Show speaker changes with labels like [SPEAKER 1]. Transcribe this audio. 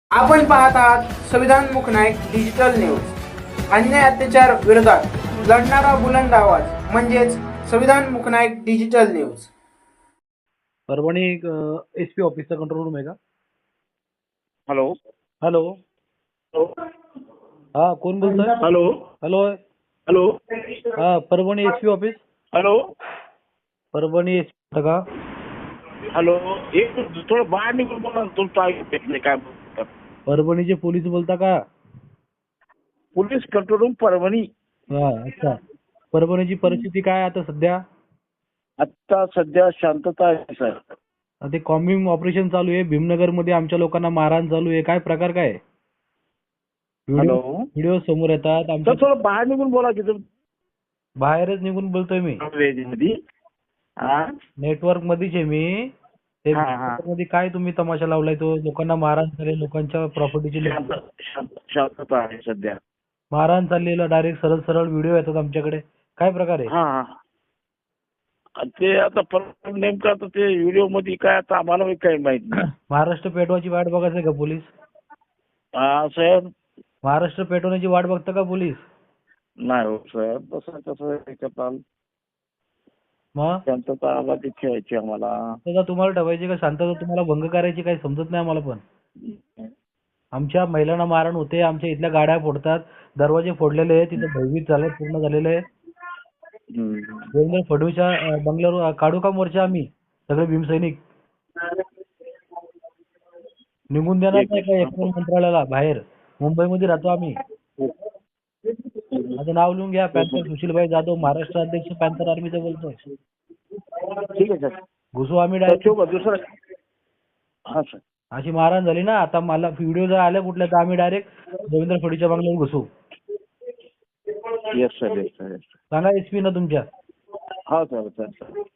[SPEAKER 1] आपण पाहत आहात संविधानमुख नाईक डिजिटल न्यूज. अन्याय अत्याचार विरोधात लढणारा बुलंद आवाज म्हणजेच संविधानमुख Naik digital news.
[SPEAKER 2] Parbhani SP ऑफिसचा कंट्रोल रूम आहे का?
[SPEAKER 3] Hello
[SPEAKER 2] hello. हा, कोण बोलतोय?
[SPEAKER 3] Hello
[SPEAKER 2] hello.
[SPEAKER 3] हॅलो
[SPEAKER 2] हा, Parbhani SP office.
[SPEAKER 3] Hello
[SPEAKER 2] Parbhani SP का?
[SPEAKER 3] हॅलो. एक थोडं बाहेर निघून बोला ना, तुमचं ऐकू येत नाही काय बोलतात.
[SPEAKER 2] परभणीचे पोलीस बोलता का?
[SPEAKER 3] Police control room Parbhani.
[SPEAKER 2] हा, अच्छा. परभणीची परिस्थिती काय आता सध्या?
[SPEAKER 3] आता सध्या शांतता आहे सर.
[SPEAKER 2] ते कॉम्बिंग ऑपरेशन चालू आहे भीमनगर मध्ये, आमच्या लोकांना मारहाण चालू आहे. काय प्रकार काय?
[SPEAKER 3] हॅलो
[SPEAKER 2] व्हिडिओ समोर येतात
[SPEAKER 3] सर,
[SPEAKER 2] आमच्या.
[SPEAKER 3] थोडं बाहेर निघून बोला की
[SPEAKER 2] बाहेरच निघून बोलतोय मी.
[SPEAKER 3] तुम्ही. हा
[SPEAKER 2] नेटवर्क मध्येच आहे मी. ते
[SPEAKER 3] हा, हा.
[SPEAKER 2] मध्ये काय तुम्ही तमाशा लावलाय? तो लोकांना मारहाण झाली, लोकांच्या प्रॉपर्टीची
[SPEAKER 3] शांतता आहे सध्या.
[SPEAKER 2] मारहाण चाललेलं, डायरेक्ट सरळ सरळ व्हिडिओ येतात आमच्याकडे. काय प्रकार आहे?
[SPEAKER 3] हा हा. ते आता नेमकं आता ते व्हिडिओ मध्ये काय आता आम्हाला काही माहित नाही.
[SPEAKER 2] महाराष्ट्र पेटवायची वाट बघायचं का पोलीस?
[SPEAKER 3] हा सर.
[SPEAKER 2] महाराष्ट्र पेटवण्याची वाट बघतं का पोलीस?
[SPEAKER 3] नाही हो सर, तसं करताल.
[SPEAKER 2] मग
[SPEAKER 3] शांतता आवाज ठेवायची आम्हाला.
[SPEAKER 2] शांतता तुम्हाला ठेवायची का शांतता तुम्हाला भंग करायची? काही समजत नाही आम्हाला. पण आमच्या महिलांना मारहाण होते, आमच्या इथल्या गाड्या फोडतात, दरवाजे फोडलेले आहेत, तिथे भयभीत झालं, पूर्ण झालेलं आहे. देवेंद्र फडणवीसच्या बंगल्यावर काढू का मोर्चा आम्ही सगळे भीमसैनिक? निघून देणार नाही का एकूण मंत्रालयाला बाहेर? मुंबईमध्ये राहतो आम्ही. माझं नाव लिहून घ्या, पॅन्थर सुशीलभाई जाधव, महाराष्ट्र अध्यक्ष पॅन्थर आर्मीचं बोलतोय.
[SPEAKER 3] ठीक आहे सर.
[SPEAKER 2] घुसू आम्ही डायरेक्ट.
[SPEAKER 3] दुसरं. हा सर.
[SPEAKER 2] अशी मारहाण झाली ना, आता मला व्हिडिओ जर आल्या कुठल्या तर आम्ही डायरेक्ट देवेंद्र फडणवीसच्या बंगल्यावर घुसू.
[SPEAKER 3] Yes sir, yes sir.
[SPEAKER 2] सांगा एसपी ना तुमच्या.
[SPEAKER 3] हा सर.